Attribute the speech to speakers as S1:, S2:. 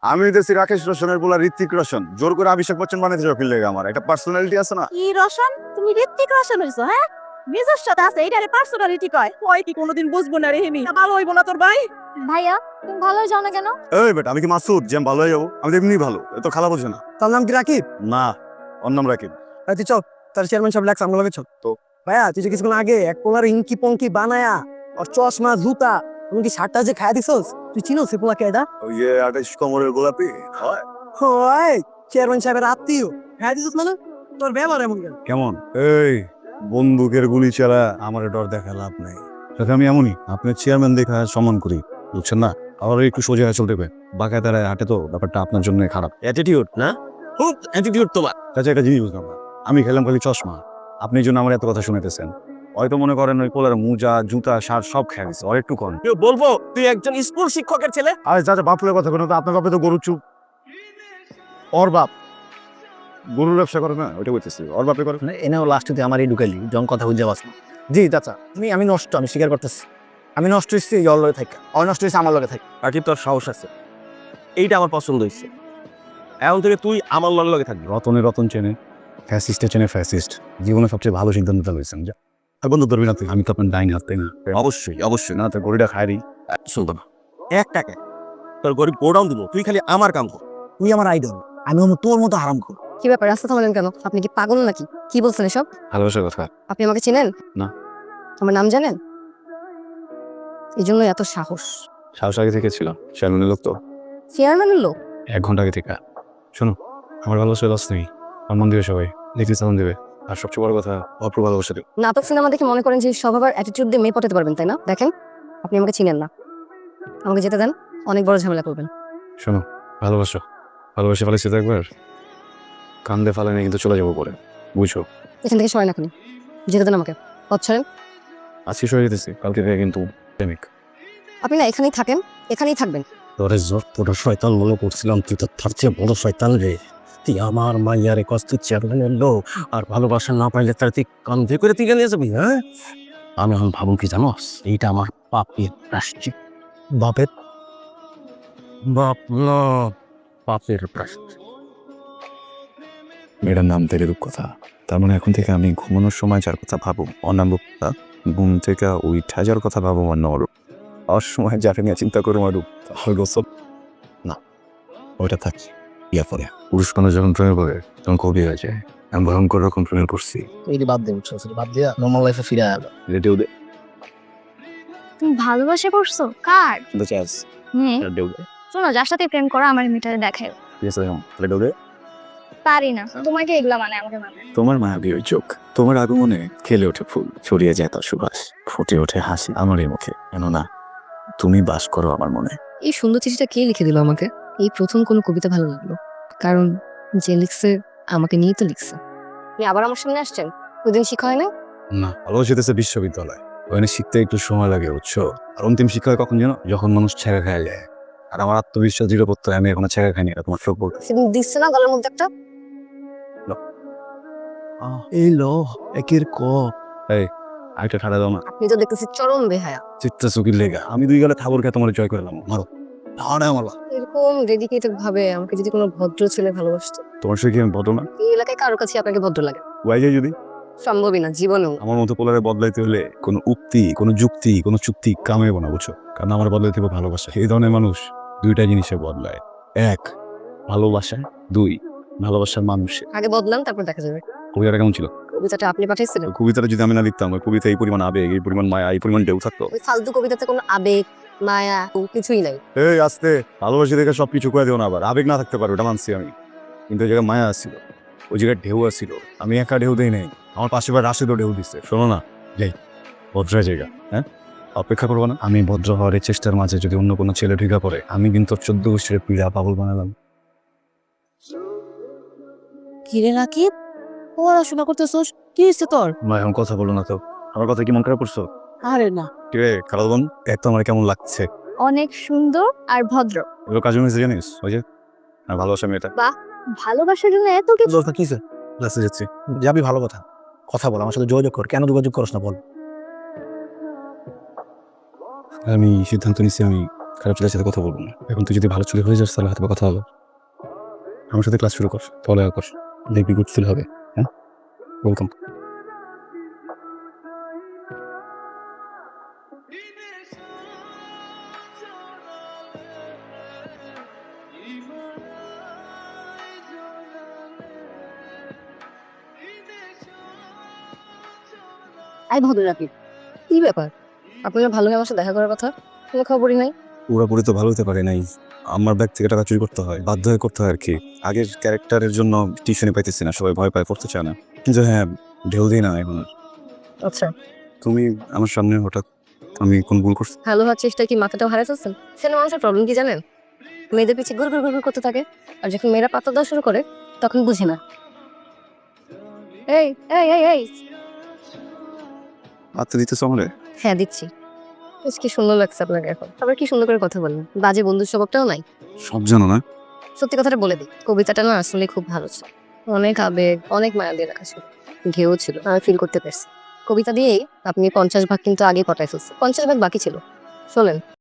S1: আমি হইতেছি রাকেশ রোশনের বলা ঋত্বিক রোশন, জোর করে অভিষেক বচ্চন বানাইতে যাও ফিল লেগে। আমার একটা পার্সোনালিটি আছে না?
S2: কি রোশন? তুমি ঋত্বিক রোশন হইছো? হ্যাঁ, নিজস্বতা আছে, এইটারে পার্সোনালিটি কয়। ওই কি কোনোদিন বুঝবো না রে হিমি, ভালো হইবো না তোর ভাই।
S3: ভাইয়া তুমি ভালো যাও না কেন?
S1: এই বেটা, আমি কি মাসুদ যে আমি ভালো হয়ে যাবো? আমি তো এমনি ভালো, তো খালা বলছে না।
S4: তার নাম কি রাকিব?
S1: না, ওর নাম রাকিব।
S4: তুই চল, তার চেয়ারম্যান সব লাগছে আমরা চল।
S1: তো?
S4: ভাইয়া তুই যে কিছুক্ষণ আগে এক পোলার ইঙ্কি পঙ্কি বানায়া আর চশমা জুতা তুমি কি শার্টটা যে খায়া দিছস, তুই চিনো সে পোলা কেডা?
S1: ওই যে 28 কোমরের গোলাপি হয়।
S4: হয় চেয়ারম্যান সাহেবের আত্মীয়। খায়া দিছস মানে? তোর ব্যবহার এমন কেন?
S1: কেমন? এই বন্দুকের গুলি চালা আমার ডর দেখা লাভ নাই। সাথে আমি এমনই আপনার চেয়ারম্যান দেখা সম্মান করি, বুঝছেন না? আবার একটু সোজা হয়ে চলতে হবে, বাঁকায় দাঁড়ায় হাঁটে তো ব্যাপারটা আপনার জন্য খারাপ।
S5: অ্যাটিটিউড না, খুব অ্যাটিটিউড তোমার।
S1: কাছে একটা জিনিস বুঝলাম না, আমি খেলাম খালি চশমা, আপনি এই জন্য আমার এত কথা শুনেতেছেন। হয়তো মনে করেন ওই পোলার মোজা জুতা শার্ট সব খেয়ে গেছে, আর একটু কম।
S5: কেউ বলবো তুই একজন স্কুল শিক্ষকের ছেলে?
S1: আর যা যা বাপুরের কথা কোনো, তো আপনার বাপে তো গরুর চুপ। ওর বাপ গরুর ব্যবসা করে না, ওইটা বলতেছি, ওর বাপে করে।
S5: এনেও লাস্টে আমারই ঢুকাইলি, যখন কথা বুঝতে পারছ না।
S4: জি চাচা, আমি নষ্ট, আমি স্বীকার করতেছি। আমি নষ্ট হয়েছি ওর লগে থাকা, ওর নষ্ট হয়েছে আমার লগে থাকা।
S5: রাকিব তোর সাহস আছে, এইটা আমার পছন্দ হয়েছে। এখন থেকে তুই আমার লগে থাকবি।
S1: রতনে রতন চেনে, ফ্যাসিস্টে চেনে ফ্যাসিস্ট। জীবনে সবচেয়ে ভালো সিদ্ধান্তটা লইছেন। যা আর বন্ধু ধরবি না তুই, আমি তো আপনার ডাইন হাত, তাই না?
S5: অবশ্যই অবশ্যই
S1: না, তোর গরুটা খায়রি।
S5: শুনতো না, 1 টাকা তোর গরিব গোডাউন দিব, তুই খালি আমার কাম কর।
S4: তুই আমার আইডল, আমি তোর মতো হারাম কর।
S3: কি ব্যাপার, রাস্তা থামালেন কেন? আপনি কি পাগল নাকি? কি বলছেন এসব?
S1: ভালোবাসার কথা।
S3: আপনি আমাকে চেনেন?
S1: না।
S3: আমার নাম জানেন? এই জন্য এত সাহস।
S1: সাহস আগে থেকে ছিল, চেয়ারম্যানের লোক তো।
S3: চেয়ারম্যানের লোক?
S1: 1 ঘন্টা আগে থেকে। শোনো, আমার ভালোবাসা লস নেই, আমার মন দিবে সবাই, দেখতে চালান দেবে। আর সবচেয়ে বড় কথা, অপ্র ভালোবাসা দেবে।
S3: নাটক সিনেমা দেখে মনে করেন যে স্বভাব আর অ্যাটিটিউড দিয়ে মেয়ে পটাতে পারবেন, তাই না? দেখেন আপনি আমাকে চিনেন না, আমাকে যেতে দেন, অনেক বড় ঝামেলা করবেন।
S1: শোনো, ভালোবাসো, ভালোবাসে ফেলেছি তো একবার, কান্দে ফালে নিয়ে কিন্তু চলে যাবো পরে, বুঝছো?
S3: এখান থেকে সরেন এখনই, যেতে দেন আমাকে, পথ ছাড়েন।
S1: আজকে সরে যেতেছি, কালকে থেকে কিন্তু প্রেমিক।
S3: আপনি না এখানেই থাকেন, এখানেই থাকবেন।
S5: তোরে যতটা শয়তান মনে করছিলাম, তুই তো তার চেয়ে বড় শয়তান রে। তুই আমার মাইয়ারে কষ্ট চেয়ারম্যানের লোক, আর ভালোবাসা না পাইলে তার তুই কান্ধে করে তুই নিয়ে যাবি? হ্যাঁ, আমি এখন ভাবো কি জানোস, এইটা আমার পাপের প্রায়শ্চিত্ত। বাপের বাপ না, পাপের প্রায়শ্চিত্ত।
S1: মেয়েটার নাম তেরে রূপকথা। তার মানে এখন থেকে আমি ঘুমানোর সময় যার কথা ভাবো অনাম রূপকথা, ঘুম থেকে উঠা যার কথা ভাবো অন্য রূপ, অসময় যাকে নিয়ে চিন্তা করো রূপ, তাহলে গোসব না, ওইটা থাকি। ইয়া পরে পুরুষ মানুষ যখন প্রেমে পড়ে তখন কবি হয়ে যায়। আমি ভয়ঙ্কর রকম প্রেমে পড়ছি।
S4: এইটি বাদ দে, বুঝছো? বাদ দিয়া নর্মাল লাইফে ফিরে আয়।
S1: রেডিও দে,
S6: তুমি ভালোবাসা করছো কার?
S1: কিন্তু চাস রেডিও দে,
S6: শোনো, যার সাথে প্রেম করো আমার মিটারে দেখায়।
S1: ঠিক আছে? রেডিও দে।
S6: পারি না, তোমাকে এগুলা মানে আমাকে মানে।
S1: তোমার মায়াবী ওই চোখ, তোমার আগমনে খেলে ওঠে ফুল, ছড়িয়ে যায় তার সুবাস, ফুটে ওঠে হাসি আমার এই মুখে। কেননা তুমি বাস করো আমার মনে।
S3: এই সুন্দর চিঠিটা কে লিখে দিল আমাকে? এই প্রথম কোনো কবিতা ভালো লাগলো, কারণ যে লিখছে আমাকে নিয়েই তো লিখছে। আপনি আবার আমার সামনে আসছেন? ওই দিন শিখা হয় না?
S1: না, ভালোবাসিতেছে বিশ্ববিদ্যালয়, ওখানে শিখতে একটু সময় লাগে, বুঝছো? আর অন্তিম শিক্ষা হয় কখন জানো? যখন মানুষ ছেঁকা খায় যায়। আর আমার আত্মবিশ্বাস দৃঢ় প্রত্যয়, আমি এখনো ছেঁকা খাইনি, এটা তোমার চোখ বলতে।
S3: সেদিন দিচ্ছে না গলার মধ্যে একটা।
S5: এই লো একের ক
S1: আরেকটা ঠাড়া দাও না,
S3: আপনি তো দেখতেছি চরম বেহায়া।
S1: চিত্তা চুকির লেগা আমি 2 গালে থাবর খেয়ে তোমার জয় করলাম। মারো না মারো।
S3: এরকম ডেডিকেটেড ভাবে আমাকে যদি কোনো ভদ্র ছেলে ভালোবাসতো।
S1: তোমার সঙ্গে কি আমি বদল না?
S3: এই এলাকায় কারোর কাছে আপনাকে ভদ্র লাগে?
S1: ওয়াই যায় যদি
S3: সম্ভবই না জীবনেও।
S1: আমার মতো পোলারে বদলাইতে হলে কোনো উক্তি, কোনো যুক্তি, কোনো চুক্তি কামে না, বুঝছো? কারণ আমার বদলাইতে হবে ভালোবাসা। এই ধরনের মানুষ 2টা জিনিসে বদলায়, 1 ভালোবাসা, 2 ভালোবাসার মানুষে।
S3: আগে বদলান, তারপর দেখা যাবে।
S1: কবিতাটা কেমন ছিল?
S3: কবিতাটা আপনি পাঠাইছিলেন?
S1: কবিতাটা যদি আমি না লিখতাম, ওই কবিতা এই পরিমাণ আবেগ, এই পরিমাণ মায়া, এই পরিমাণ ঢেউ থাকতো?
S3: ওই ফালতু কবিতাতে কোনো আবেগ মায়া কিছুই নাই।
S1: এই আস্তে, ভালোবাসি দেখে সবকিছু করে দেও না। আবার আবেগ না থাকতে পারে, ওটা মানছি আমি, কিন্তু ওই জায়গায় মায়া আসছিল, ওই জায়গায় ঢেউ আসছিল। আমি একা ঢেউ দেই নাই, আমার পাশে বার রাশিদও ঢেউ দিচ্ছে। শোনো না, যাই ভদ্র জায়গা, হ্যাঁ অপেক্ষা করবো না? আমি ভদ্র হওয়ার এই চেষ্টার মাঝে যদি অন্য কোনো ছেলে ঢুকা পড়ে, আমি কিন্তু 14 গোষ্ঠীর পীড়া পাগল বানালাম।
S2: কিরে রাকিব, পড়াশোনা করতেছোস? কি হয়েছে তোর?
S1: না এখন কথা বলো না তো, আমার কথা কি মন খারাপ করছো?
S2: আরে না,
S1: কিরে খালাদ বোন, এক তো আমার কেমন লাগছে?
S6: অনেক সুন্দর আর ভদ্র।
S1: এগুলো কাজু মিশে জানিস, ওই যে আর ভালোবাসা মেয়েটা।
S6: ভালোবাসার জন্য এত কিছু।
S4: দরকার কিসে?
S1: ক্লাসে যাচ্ছি।
S4: যাবি, ভালো কথা, কথা বল, আমার সাথে যোগাযোগ কর। কেন যোগাযোগ করছ না বল?
S1: আমি সিদ্ধান্ত নিচ্ছি, আমি খারাপ ছেলের সাথে কথা বলবো না। এখন তুই যদি ভালো ছেলে হয়ে যাস তাহলে হয়তো বা কথা হবে। আমার সাথে ক্লাস শুরু কর, পড়ালেখা কর, দেখবি গুড ফিল হবে। হ্যাঁ, ওয়েলকাম।
S3: আই ভদ্র রাখি, কি ব্যাপার? আপনার ভালো আমার সাথে দেখা করার কথা, কোনো খবরই নাই।
S1: পুরোপুরি তো ভালো হতে পারে নাই, আমার ব্যাগ থেকে টাকা চুরি করতে হয়, বাধ্য হয়ে করতে হয় আর কি। আগের ক্যারেক্টারের জন্য টিউশনে পাইতেছি না, সবাই ভয় পায়, পড়তে চায় না। কিন্তু হ্যাঁ, ঢেউ দিই না এখন আর।
S3: আচ্ছা,
S1: তুমি আমার সামনে হঠাৎ, আমি কোন ভুল করছি?
S3: ভালো হওয়ার চেষ্টা কি মাথাটাও হারাই ফেলছেন? ছেলে মানুষের প্রবলেম কি জানেন? মেয়েদের পিছিয়ে ঘুর ঘুর ঘুর ঘুর করতে থাকে, আর যখন মেয়েরা পাতা দেওয়া শুরু করে তখন বুঝে না। এই এই এই এই
S1: আত্মা দিতেছ আমারে?
S3: হ্যাঁ দিচ্ছি। বেশ কি সুন্দর লাগছে আপনাকে এখন, আবার কি সুন্দর করে কথা বলেন, বাজে বন্ধুর স্বভাবটাও নাই।
S1: সব জানো না?
S3: সত্যি কথাটা বলে দিই, কবিতাটা না আসলে খুব ভালো ছিল, অনেক আবেগ, অনেক মায়া দিয়ে লেখা ছিল, ঢেউ ছিল, আমি ফিল করতে পারছি। কবিতা দিয়েই আপনি 50 ভাগ কিন্তু আগে পটাই ফেলছে, 50 ভাগ বাকি ছিল। শোনেন,